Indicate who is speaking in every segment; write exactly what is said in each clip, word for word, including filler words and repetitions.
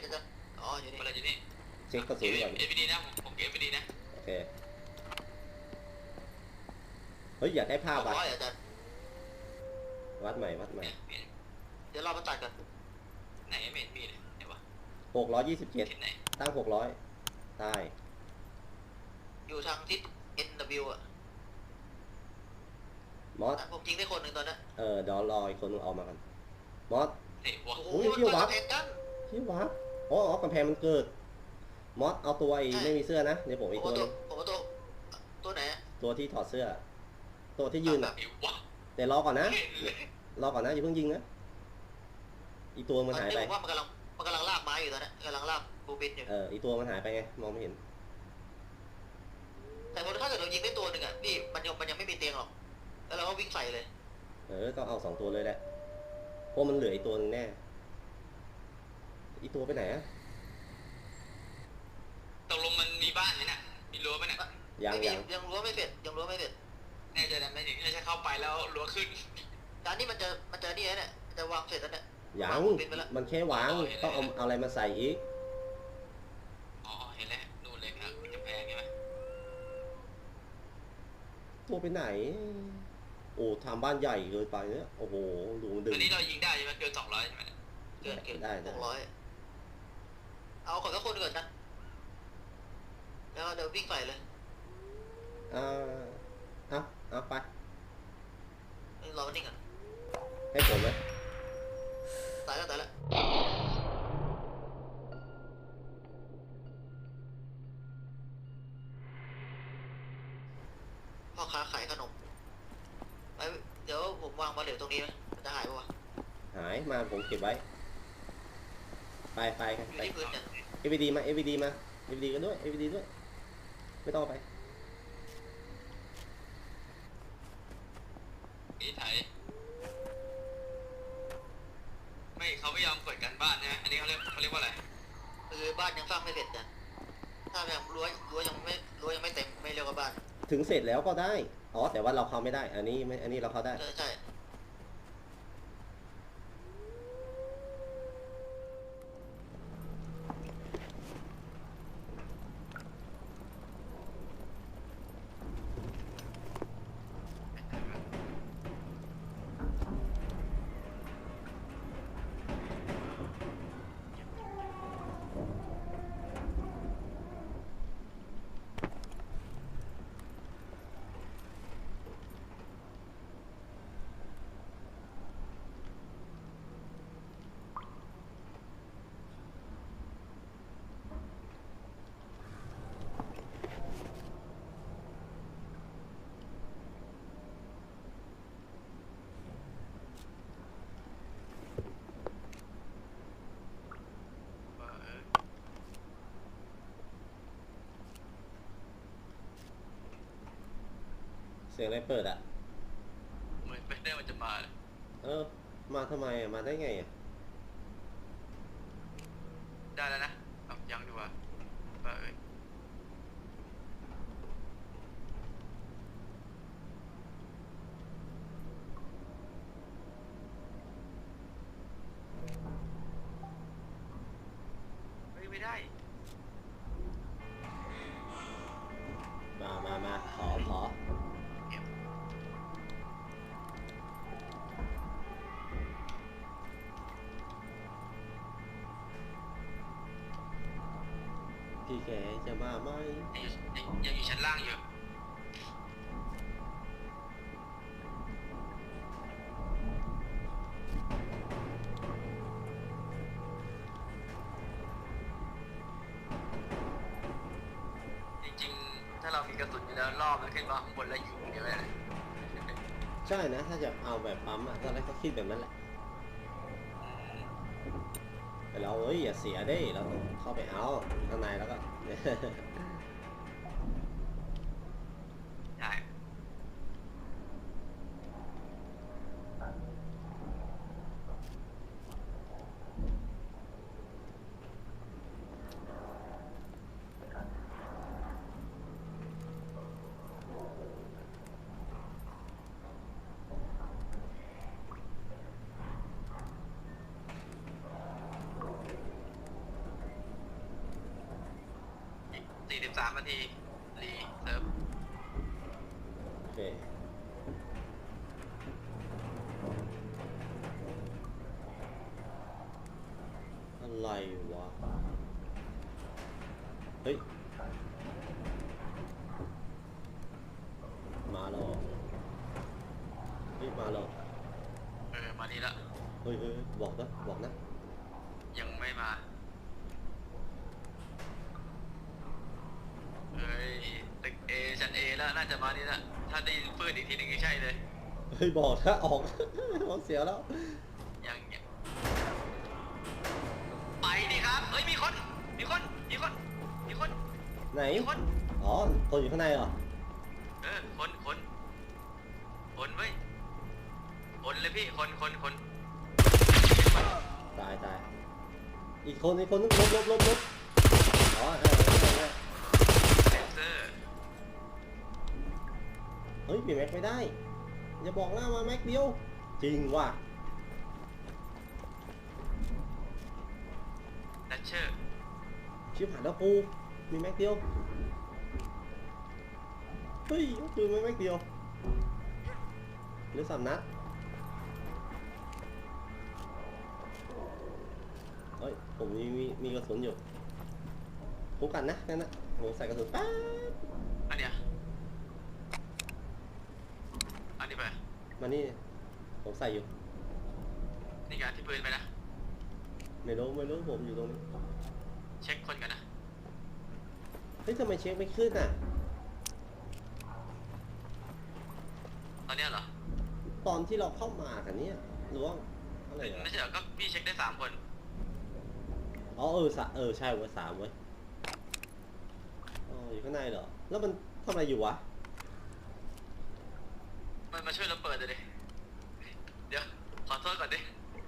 Speaker 1: จะจะอ๋ออยู่นี่
Speaker 2: อะไรอยู่นี่
Speaker 3: เช็คกระสุนก่อน
Speaker 2: เอฟดีนะผมเก็บเอฟดีนะ
Speaker 3: โอเคเฮ้ยอยากได้ภาพ
Speaker 1: หก
Speaker 3: วัด
Speaker 1: ร้อยอาจารย์
Speaker 3: วัดใหม่วัดใหม่
Speaker 1: เดี๋ยวเรามาตัดกัน
Speaker 2: ไหนไม่เห็นมีเลยไหนวะ
Speaker 3: หกร้อยยี่สิบเจ็ด
Speaker 2: ทิศไหน
Speaker 3: ตั้งหกร้อยใต้
Speaker 1: อยู่ทางทิศ เอ็น ดับเบิลยู อ่ะ
Speaker 3: มอส
Speaker 1: ผมยิงได้คนหนึ่งตอนนี้
Speaker 3: เออเดี๋ยวรออีกคนนึงออกมากันมอส
Speaker 2: ไหนวะ
Speaker 1: โอ้โห
Speaker 3: อุ้ย
Speaker 1: มัน
Speaker 3: เที่ยว
Speaker 1: เกิด
Speaker 3: วัด
Speaker 1: เหตุกัน
Speaker 3: ที่วัดอ๋ออ๋อกำแพงมันเกิดมอสเอาตัวไอ้
Speaker 1: ใช่
Speaker 3: ไม่มีเสื้อนะเดี๋ยวผม
Speaker 1: ผม
Speaker 3: อีก
Speaker 1: ว่า
Speaker 3: ตัว
Speaker 1: ตัว
Speaker 3: นึง
Speaker 1: ผมว่าตัวตัวไหน
Speaker 3: ตัวที่ถอดเสื้อ ตัวที่ยืน
Speaker 1: แบ
Speaker 3: อ่ะ
Speaker 1: บ
Speaker 2: ไหนวะ
Speaker 3: แต่รอก่อนนะ
Speaker 2: เห็นเลย
Speaker 3: รอก่อนนะอย่าเพิ่งยิงนะอีกตัวมันหายไป
Speaker 1: ผมว่ามันกำลังมันกำลังลากไม้อยู่ตอนนี้กำลังลากบูปินอยู่
Speaker 3: เอออีกตัวมันหายไปไงมองไม่เห็น
Speaker 1: แต่ถ้าเกิดเรายิงได้ตัวหนึ่งอ่ะพี่มันยังมันยังไม่มีเตียงหรอกแล้วเราก็วิ่งใส่เลย
Speaker 3: เออต้องเอาสองตัวเลยแหละเพราะมันเหลืออีกตัวนึงแน่อีกตัวไปไหนอะ
Speaker 2: ตกลงมันมีบ้านไหมเนี่ยมีรั้วไหมเนี่ย
Speaker 3: ยัง
Speaker 1: ไม่มี
Speaker 3: ยัง
Speaker 1: ยังรั้วไม่เสร็จยังรั้วไม่เสร็จ
Speaker 2: แน่ใจนะไม่ถึงไม่ใช่เข้าไปแล้วรั้วขึ้น
Speaker 1: การนี้มันจะมันจะนี่เนี่ยมันจะวางเสร็จแล้วเนี่ย
Speaker 3: ยัง
Speaker 1: วางบูปินไปแล้ว
Speaker 3: มันแค่วางต้องเอาเอาอะไรมาใส่อีก
Speaker 2: อ๋อเห็นแล้วนู่นเลยครับจะแพงใช่ไหม
Speaker 3: ตัวไปไหน โอ้ทำบ้านใหญ่เกินไปเนี่ยโอ้โหดูมันดึ
Speaker 2: อั
Speaker 3: ง
Speaker 2: นนี้เรายิงได้ใช่ไหมเกินสองร้อยใช่ไหม
Speaker 1: เกินเกิน
Speaker 3: ได้
Speaker 1: ห
Speaker 3: ได้
Speaker 1: กร้อยเอาขอสักคนก่อนนะแล้วเดี๋ยววิ่งใส่เลย
Speaker 3: อ่าเอาเอาไป
Speaker 1: รอมันนิ่งก่อน
Speaker 3: ให้ผมไหม
Speaker 1: ตายแล้วตายแล้วพ่อค้าขายขนมไปเดี๋ยวผมวางบาเหลวตรงนี้ไหมมันจะหายปะวะ
Speaker 3: หายมาผมเก็บไว้ ไปไปกัน
Speaker 1: อยู่
Speaker 3: ไป
Speaker 1: ที่พื้นเนี่ย
Speaker 3: เอวีดีมาเอวีดีมาเอวีดีกันด้วยเอวีดีด้วยไม่ต้องเอาไป
Speaker 2: นี่ไทยไม่เขาไม่ยอมเปิดการบ้านนะอันนี้เขาเรียกเขาเรียกว่าอะไร
Speaker 1: คือบ้านยังสร้างไม่เสร็จนะถ้ายังรั้วรั้วยังไม่รั้วยังไม่เต็มไม่เรียกว่าบ้าน
Speaker 3: ถึงเสร็จแล้วก็ได้อ๋อแต่ว่าเราเข้าไม่ได้ อันนี้ไม่อันนี้เราเข้าได้
Speaker 1: ใช่ใช่
Speaker 3: เสียงอะไรเปิดอ่ะ
Speaker 2: เหมือนไม่ได้มันจะมาเลย
Speaker 3: เออมาทำไมอ่ะมาได้ไงอ่ะ
Speaker 2: ได้แล้วนะเอายังดีกว่าเอ้ยเฮ้ยไม่ได้
Speaker 3: มามามาขอขอพี่แกจะมาไหม
Speaker 2: ยังอยู่ยังยังอยู่ชั้นล่างอยู่จริงๆถ้าเรามีกระสุนอยู่แล้วรอบแล้วขึ้นมาข้างบนแล้วยิงเดี๋ยวเลย
Speaker 3: ใช่นะถ้าจะเอาแบบปั๊มอ่ะตอนแรกก็คิดแบบนั้นแหละแต่เราเอ้ยอย่าเสียได้เราต้องเข้าไปเอาข้างในแล้วก็
Speaker 2: ใช่ามนาทีรีเซิร์ฟ
Speaker 3: โอเคอะไรวะเฮ้ยมาแล้วเหรอเฮ้ยมาแล้ว
Speaker 2: เออมานี่ละ
Speaker 3: เฮ้ยเฮ้ยบอกนะบอกนะ
Speaker 2: ยังไม่มาเฮ้ยตึกเอชั้นเอแล้วน่าจะมานี่ละถ้าได้ยินปืนอีกทีหนึงก็ใช่เลย
Speaker 3: เฮ้ยบอกถ้าออก ออกเสียแล้ว
Speaker 2: ยังยังไปดิครับเฮ้ยมีคนมีคนมีคนมีคน
Speaker 3: ไหน
Speaker 2: มีคน
Speaker 3: อ๋อตัวอยู่ข้างในเหรอ
Speaker 2: เออคนคนคนเว้ยคนเลยพี่คนคนคน
Speaker 3: ตายตายอีกคนอีกคนนึงลบลบลบลบอ๋อเออเออเออ
Speaker 2: เซนเซอร์
Speaker 3: เฮ้ยเปลี่ยนแม็กไม่ได้อย่าบอกนะมาแม็กเดียวจริงว่ะ
Speaker 2: ดัชเชอร์
Speaker 3: ชิบหายแล้วกูมีแม็กเดียวเฮ้ยคือไม่แม็กเดียวเหรือสามนัดเฮ้ยผมมีมีมีกระสุนอยู่คุ้มกันนะนั่นนะผมใส่กระสุนป๊าบ
Speaker 2: อันเนี้ยอันนี้ไป
Speaker 3: มานี่ผมใส่อยู่
Speaker 2: นี่การที่ปืนไปนะ
Speaker 3: ไม่รู้ไม่รู้ผมอยู่ตรงนี้
Speaker 2: เช็คคนกันนะ
Speaker 3: เฮ้ยทำไมเช็คไม่ขึ้นอ่ะ
Speaker 2: ตอนเนี้ยเหรอ
Speaker 3: ตอนที่เราเข้ามากันเนี่ยหรือว่าอะไรเหรอ
Speaker 2: ไม่ใช่เหรอก็พี่เช็คได้สามคน
Speaker 3: อ๋อเออสะเออใช่เว้ยสามเว้ยอ๋ออยู่ข้างในเหรอแล้วมันทำอะไรอยู่วะ
Speaker 2: มันมาช่วยเราเปิดเลยดิเดี๋ยวขอโทษก่อนดิ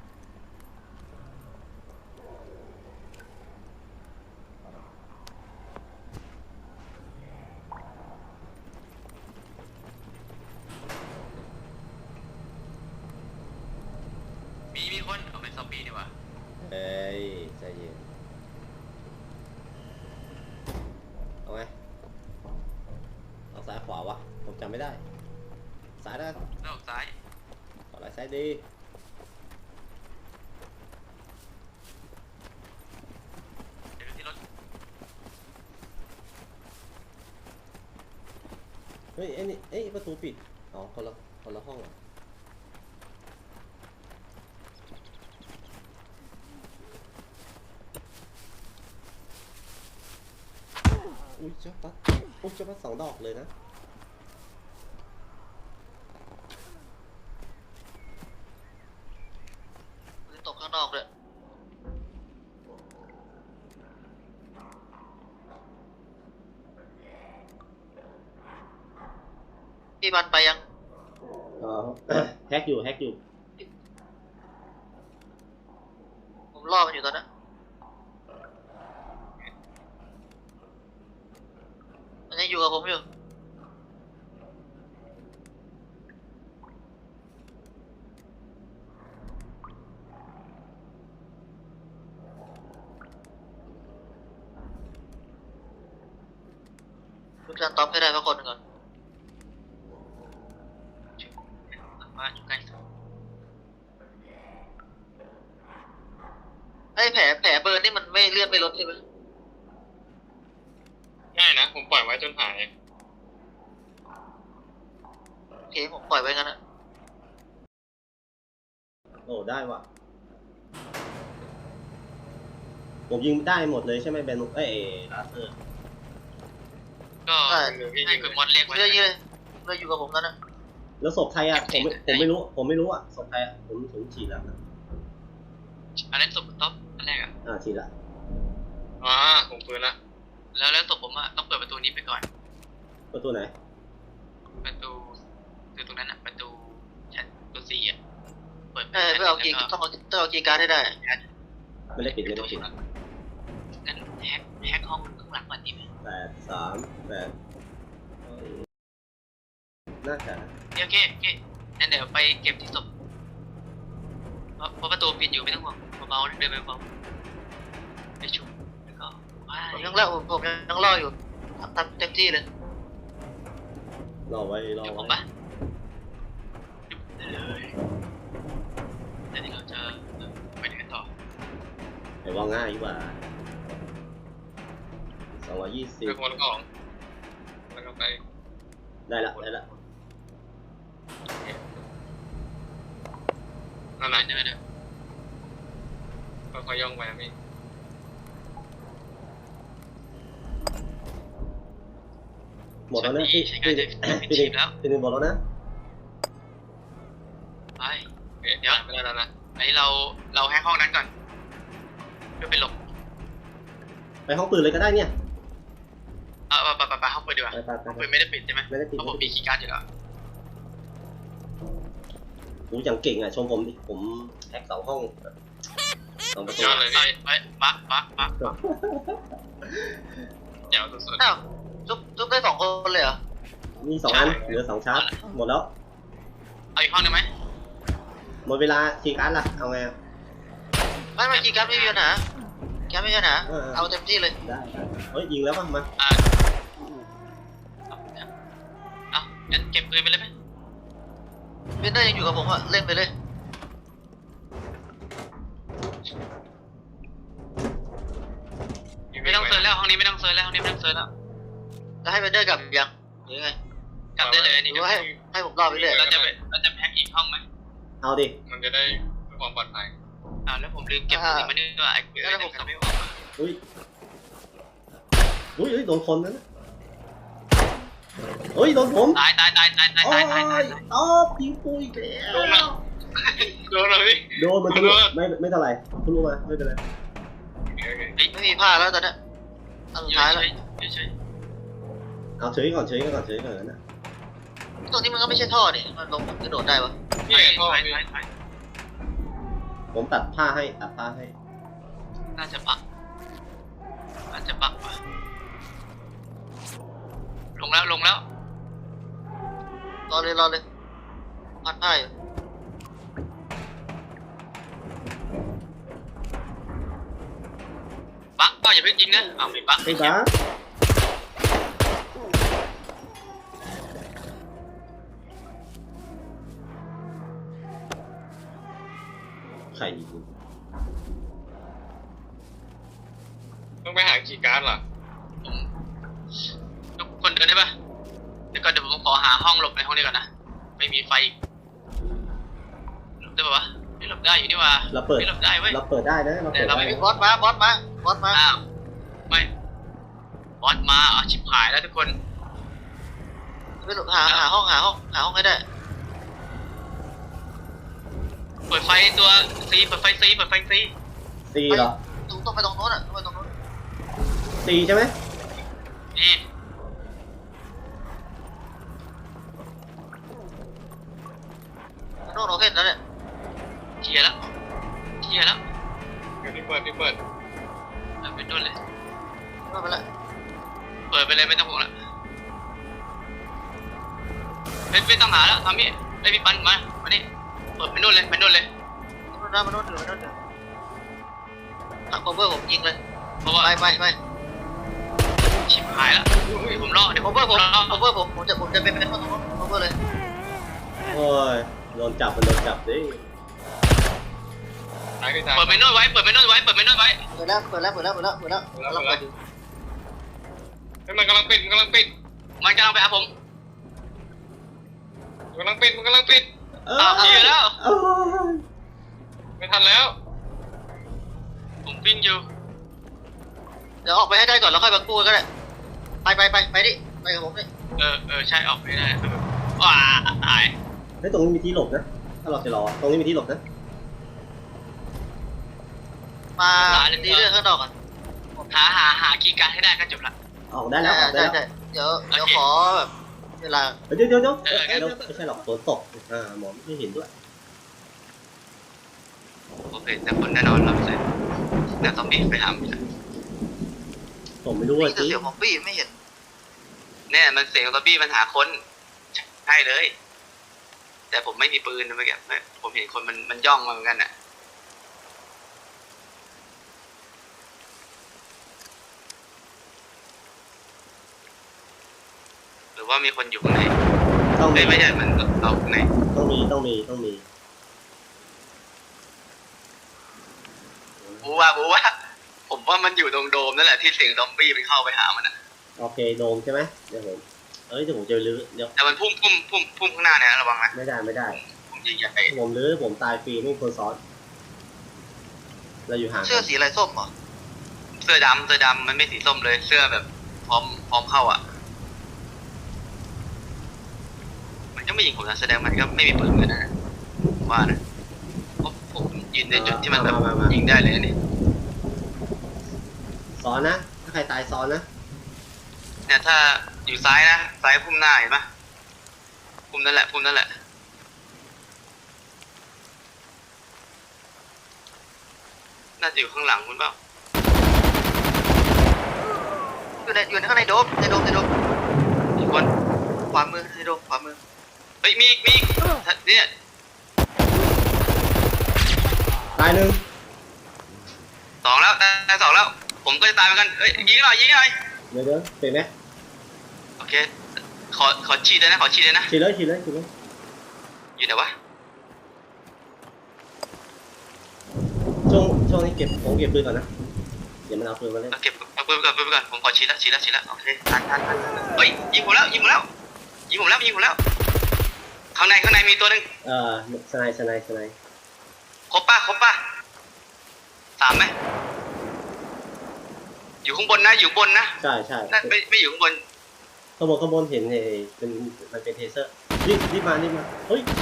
Speaker 2: มีมีคนเอาเป็นซอมบี้นี่หว่า
Speaker 3: เอ้ยใจเย็นเอาไงเอาซ้ายขวาวะผมจำไม่ได้ซ้ายได้
Speaker 2: นอกซ้าย
Speaker 3: ขวาไหลซ้ายดี
Speaker 2: เดี๋ยวที่รถ
Speaker 3: เฮ้ยไอ้นี่เอ้ยประตูปิดอ๋อคนละคนละห้องเหรออุ้ยเจ้าปัดอุ้ยเจ้าปัดสองดอกเลยนะ
Speaker 1: ปืนตกข้างนอกเลยพี่บันไปยัง
Speaker 3: อ๋อ แฮกอยู่แฮกอยู่
Speaker 1: ผมล่อมันอยู่ตอนนั้นมันยังอยู่กับผมอยู่ลูกจานต๊อปให้ได้สักคนหนึ่งก่อน
Speaker 2: มาอยู่ใกล้สุด
Speaker 1: ไอ้แผลแผลเบิร์นนี่มันไม่เลื่อนไม่ลดใช่ไหม
Speaker 2: ง่ายนะผมปล่อยไว้จนหาย
Speaker 1: โอเคผมปล่อยไว้งั้นนะ
Speaker 3: โอ้ได้ว่ะผมยิงได้หมดเลยใช่ไหมแบนเอ้ยลาเซอร์
Speaker 2: ก็ให้คุณมอนเรียกไว้
Speaker 1: เรื่อยๆเลยเรื่อยอยู่กับผมนั่นนะ
Speaker 3: แล้วศพใครอ่ะผมไม่ผมไม่รู้ผมไม่รู้อ่ะศพใครอ่ะผมผมฉีดแล้วนะ
Speaker 2: อันนั้นศพท็อปอันแรกอ่ะ
Speaker 3: อ่าฉีดละ
Speaker 2: อ๋อผมปืนละแล้วแล้วศพผมอ่ะต้องเปิดประตูนี้ไปก่อน
Speaker 3: ประตูไหน
Speaker 2: ประตูคือตรงนั้นอ่ะประตูชั้นประตูสี่อ่ะเปิด
Speaker 1: เออเพื่อเอากีย์ต้องเอาต้องเอากีย์การ์ดให้ได้
Speaker 3: ไม่ได้ปิดไม่ได้ปิด
Speaker 2: งั้นแฮกแฮกห้องข้างหลังก่อนดีไหม
Speaker 3: แปดสามแปดน่าจะ
Speaker 2: โอเคโอเคงั้นเดี๋ยวไปเก็บที่ศพเพราะเพราะประตูปิดอยู่ไม่ต้องห่วงเบาๆเดินไปเบาไปชุบแล้วก็ว้า
Speaker 1: ผม
Speaker 2: ย
Speaker 1: ยังล่อผมผมยังล่ออยู่ทำเต็มที่เลย
Speaker 3: รอไว้รอ
Speaker 2: เดี๋ยวผม
Speaker 3: ไว้
Speaker 2: ปะได้เลยแต่ที่เราจะไปไหนกันต่อ
Speaker 3: ไอ้ว่าง่ายดีกว่าสองร้อยยี่สิบ
Speaker 4: เรื่องคนของแล้วก็ไป
Speaker 3: ได้ละได้ละ
Speaker 4: นั่น
Speaker 2: ไป
Speaker 4: แหละ
Speaker 2: ได้ไหมเนี่ย
Speaker 4: ค่อยๆย่องไปนะพี่
Speaker 3: หมดแล้วนะพี่
Speaker 2: ใช้
Speaker 3: พี่
Speaker 2: งานจะ
Speaker 3: พี่
Speaker 2: ชีพแล้ว
Speaker 3: พี่หนึ่งหมดแล้วนะ
Speaker 2: ไป
Speaker 4: เอ๊ะ
Speaker 2: เดี๋ยว
Speaker 4: ไม่ได้แล้วนะ
Speaker 2: ไอเราเราแฮกห้องนั้นก่อนเพื่อไปหลบ
Speaker 3: ไปห้องปืนเลยก็ได้เนี่ย
Speaker 2: เอาไปไปไปไปห้องปืนดีกว่า
Speaker 3: ไปไปไป
Speaker 2: ห้องปืนไม่ได้ปิดใช่ไหม
Speaker 3: ไม่ได้ปิด
Speaker 2: เพราะผมมีคีย์การ์ดอยู่แล้ว
Speaker 3: กูอย่างเก่งอ่ะชมผมดิผมแฮกสองห้องสองประตู
Speaker 4: ยอดเลย
Speaker 2: ไป
Speaker 4: พี่
Speaker 2: ไปปักปักปัก
Speaker 4: เดี๋ยวสุด
Speaker 1: อ้าวจุ๊บจุ๊บได้สองคนเลยเหรอ
Speaker 3: มีสองอันเหลือสองชาร์จหมดแล้ว
Speaker 2: เอาอีกห้องหนึ่งไหม
Speaker 3: หมดเวลาคีย์การ์ดละเอาไงอะ
Speaker 1: ไม่ไม่กีการ์ดไม่มีปัญหากีการ์ดไม่มีปัญหา
Speaker 3: เออ
Speaker 1: เอาเต็มที่เลย
Speaker 3: ได้ได้เฮ้ยยิงแล้วป่ะมา
Speaker 2: อ่าเอางั้นเก็บปืนไปเลยไหม
Speaker 1: เบนเดอร์ยังอยู่กับผมอะเล่นไปเลย
Speaker 4: ๆ
Speaker 2: ไม่ต้องเซิร์ชแล้วห้องนี้ไม่ต้องเซิร์ชแล้วห้องนี้ไม่ต้องเซิร์ชแล้ว
Speaker 1: จะให้เบนเดอร์กลับยังหรือยังไง
Speaker 2: กลับได้เลยอัน
Speaker 1: ห
Speaker 2: นี้
Speaker 1: รือว่าให้ให้ผมรอไปเรื่อย
Speaker 2: เราจะไปเราจะแพ็กอีกห้องไหม
Speaker 3: เอาดิ
Speaker 4: มันจะได้เพื่อความปลอดภัย
Speaker 2: อ่าแล้วผมลืมเก็บปืนมานี่ด้วยไอ้ปืนแล้วผมไม่ออกมา
Speaker 3: อุ้ยอุ้ยเฮ้ยโดนคนนั้นน่ะเฮ้ยโดนผม
Speaker 2: ตายตายตายตายตาย
Speaker 3: โอ้
Speaker 2: ตายตายตาย
Speaker 3: ยตอบยิงปุยอีกแล้ว
Speaker 4: โดนแล้วโดนแล้วพี่
Speaker 3: โดนมันทะลุไม่ไม่เท่าไหร่ทะลุมาไม่เป็นไร
Speaker 4: โอเคโอเค
Speaker 1: ไม่มีผ้าแล้วตอนเนี้ยอันสุดท้ายแล้ว
Speaker 2: เฉย
Speaker 3: เอาเฉยก่อนเฉยก่อนเฉยก่อนนะ
Speaker 1: ตรงนี้มันก็ไม่ใช่ท่อนี่มันลงกระโดดได้ปะ
Speaker 2: ๆ
Speaker 4: พี่
Speaker 2: ไป
Speaker 4: เห็นพ่อ
Speaker 2: ไป
Speaker 4: พี่
Speaker 2: ไปไป
Speaker 3: ผมตัดผ้าให้ตัดผ้าให้
Speaker 2: น่าจะปักน่าจะปักว่ะลงแล้วลงแล้ว
Speaker 1: รอเลยรอเลยพัดผ้าอยู่
Speaker 2: ปักก็อย่าเพิ่งยิงนะอ้าวไม่ปัก
Speaker 3: ไอ้บ้าใครยิง
Speaker 4: ต้องไปหาคีย์การ์ดเหรอ
Speaker 2: ผมทุกคนเดินได้ปะเดี๋ยวก่อนเดี๋ยวผมขอหาห้องหลบในห้องนี้ก่อนนะไม่มีไฟอีกหลบได้ปะวะไม่หลบได้อยู่นี่ว่า
Speaker 3: เราเปิด
Speaker 2: ไม่หลบได้เว้ย
Speaker 3: เราเปิดได้นะเราเปิด
Speaker 2: เรา
Speaker 3: ได้
Speaker 2: ไม่
Speaker 1: บอสมาบอสมาบอสมา
Speaker 2: อ้าวไม่บอสมาอ่ะชิบหายแล้วทุกคน
Speaker 1: ไปหลบหาหาห้องหาห้องหาห้องให้ได้
Speaker 2: เปิดไฟตัวซีเปิดไฟซีเปิดไฟซี
Speaker 3: ซีเหรอ
Speaker 1: ตรงต้องไปตรงโน้นอ่ะต้องไปตรงโน้น
Speaker 3: ซีใช่ไหม
Speaker 2: นี่
Speaker 1: โน้นโอเคแล้วเนี่ย
Speaker 2: เคลียร์แล้วเคลียร์แล้ว
Speaker 4: เดี๋ยวพี่เปิดพี่เปิด
Speaker 2: เออเป็นนู่นเลย
Speaker 1: ไม่เป็นไร
Speaker 2: เปิดไปเลยไม่ต้องห่วงละไม่ไม่ต้องหาแล้วทำนี่ไอพี่ปันมามานี่เปิดไปนู่นเลยไปนู่นเลย
Speaker 1: โน้นนะมันโน้นอยู่โน้นอยู่หักคอมเบอร์ผมยิงเลย
Speaker 2: เพราะว่า
Speaker 1: ไปไปไป
Speaker 2: ชิบหายแล้วผมรอเดี๋ยว
Speaker 1: ค
Speaker 2: ผ
Speaker 1: อ
Speaker 2: ม
Speaker 1: มเบอร์ผม
Speaker 2: รอ
Speaker 1: คอมเบอร์ผมผมจะผมจะเป็นเป็นคนตรงโน้นคอมเบอร์เลย
Speaker 3: โอ้ยโดนจับมันโดนจับดิ
Speaker 4: ตายพี่ตาย
Speaker 2: เปิดไปนู่นไว้เปิดไปนู่นไว้เปิดไปนู่นไว้
Speaker 1: เปิดแล้วเปิดแล้วเปิดแล้วเปิดแล้วเปิดแล้วกำลังเปิดอยู่
Speaker 4: เฮ้ยมันกำลังปิดมันกำลังปิด
Speaker 2: มันกำลังไปหาผม
Speaker 4: มันกำลังปิดมันกำลังปิด
Speaker 3: เอ
Speaker 2: อ้าวเคลียร์แล้ว
Speaker 3: เอ้ย
Speaker 4: ไม่ทันแล้ว
Speaker 2: ผมวิ่งอยู่
Speaker 1: เดี๋ยวออกไปให้ได้ก่อนแล้วค่อยมากู้ก็ได้ไปไปไปไปดิไปกับผมดิ
Speaker 2: เออเออใช่ออกไม่ได้ว้าตาย
Speaker 3: เฮ้ยตรงนี้มีที่หลบนะ ถ้าเราจะรอ ตรงนี้มีที่หลบนะ
Speaker 1: มาดีเรื่องข้างนอกก่อน
Speaker 2: หาหาหาคีย์การ์ดให้ได้ก็จบละ
Speaker 3: ออกได้แล้วออกได้
Speaker 1: ใช่
Speaker 3: แล้ว
Speaker 1: ใช่เดี๋ยวเดี๋ยวขอแบบเวลา
Speaker 3: เดี๋ยวเดี๋ยวเดี๋ยว
Speaker 2: เอองั้น
Speaker 3: เดี๋ยวไม่ใช่หรอกฝนตกอ่าหมอไม่เห็นด้วย
Speaker 2: โอเคแต่คนแน่นอนเราใส่แต่ซอมบี้ไปหาไม่ได้
Speaker 3: ผมไม่รู้
Speaker 1: นี่
Speaker 3: ว่า
Speaker 1: คือ
Speaker 3: จริง
Speaker 1: เสียงของปี้ไม่เห็น
Speaker 2: แน่มันเสียงซอมบี้มันหาคนใช่เลย แต่ผมไม่มีปืนนะเมื่อกี้ผมเห็นคนมันมันย่องมาเหมือนกันอ่ะว่ามีคนอยู่ข้างใน
Speaker 3: ต้องมี
Speaker 2: ไม่ไม่ใช่มันเราข้างใน
Speaker 3: ต้องมีต้องมีต้องมี
Speaker 2: บูว่าบูว่าผมว่ามันอยู่ตรงโดมนั่นแหละที่เสียงซอมบี้มันเข้าไปหามันอ่ะ
Speaker 3: โอเคโดมใช่ไหมเดี๋ยวผมเอ้ยเดี๋ยวผมจะรื้อเดี๋ยว
Speaker 2: แต่มันพุ่มพุ่มพุ่มพุ่มข้างหน้าเนี่ยระวังนะ
Speaker 3: ไม่ได้ไม่ได้
Speaker 2: พุ่มใหญ่
Speaker 3: ผมรื้อผมตายฟรีไม่มีคนซ้อนเราอยู่ห่าง
Speaker 1: เสื้อสีอะไรส้มเหรอ
Speaker 2: ๆเสื้อดำเสื้อดำมันไม่สีส้มเลยเสื้อแบบพร้อมพร้อมเข้าอ่ะมันก็ไม่ยิงผมนะแสดงมันก็ไม่มีปืนเหมือนกันนะว่านะเพราะผมยืนในจุดที่มันแบบยิงได้เลยนี่
Speaker 3: ซ้อนนะถ้าใครตายซ้อนนะ
Speaker 2: เนี่ยถ้าอยู่ซ้ายนะซ้ายพุ่มหน้าเห็นปะพุ่มนั่นแหละพุ่มนั่นแหละน่าจะอยู่ข้างหลังคุณเปล่า
Speaker 1: อยู่ในอยู่ในข้างในโดมในโดมในโดม
Speaker 2: อีกคน
Speaker 1: ขวามือในโดมขวามือ
Speaker 2: เฮ้ยมีอีกมีอีกเนี่ย
Speaker 3: ตายหนึ่ง
Speaker 2: สองแล้วได้สองแล้วผมก็จะตายเหมือนกันเฮ้ยยิงหน่อยยิงหน่อย
Speaker 3: เดี๋ยวเดี๋ยวเป็นไหม
Speaker 2: โอเคขอขอฉีดเลยนะขอฉีดเลยนะ
Speaker 3: ฉีดเลยฉีดเลยฉีดเลย
Speaker 2: อยู่ไหนวะ
Speaker 3: ช่วงช่วงนี้เก็บผมเก็บปืนก่อนนะเดี๋ยวมันเอาปืนมาเล่น
Speaker 2: เอาเก็บเอาปืนไปก่อนปืนไปก่อนผมขอฉีดแล้วฉีดแล้วฉีดแล้วโอเคทันทันทันทันเฮ้ยยิงผมแล้วยิงผมแล้วยิงผมแล้วยิงผมแล้วข้างในข้างในมีตัวหนึ่ง
Speaker 3: เอ่อสไนสไนสไน
Speaker 2: ครบป่ะครบป่ะสามไหมอยู่ข้างบนนะอยู่บนนะ
Speaker 3: ใช่ใช่
Speaker 2: นั่นไม่ไม่อยู่ข้างบน
Speaker 3: ข้างบนข้างบนเห็นเอเป็นมันเป็นเทเซอร์รีบรีบมารีบมาเฮ้ย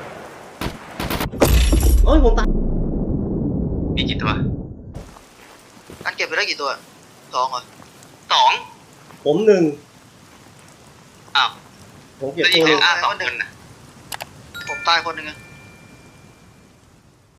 Speaker 3: โอ้ยผมตาย
Speaker 2: มีกี่ตัว
Speaker 1: การเก็บไปได้กี่ตัวสองเหรอ
Speaker 2: สอง
Speaker 3: ผมหนึ่ง
Speaker 2: อ้าว
Speaker 3: ผมเก็บ
Speaker 2: แล้วยิ
Speaker 3: ตั
Speaker 2: ง
Speaker 3: ว
Speaker 2: เหลื
Speaker 3: นึ
Speaker 2: อง อ้าสองคนนะ
Speaker 1: ผมตายคนหนึ่งอะ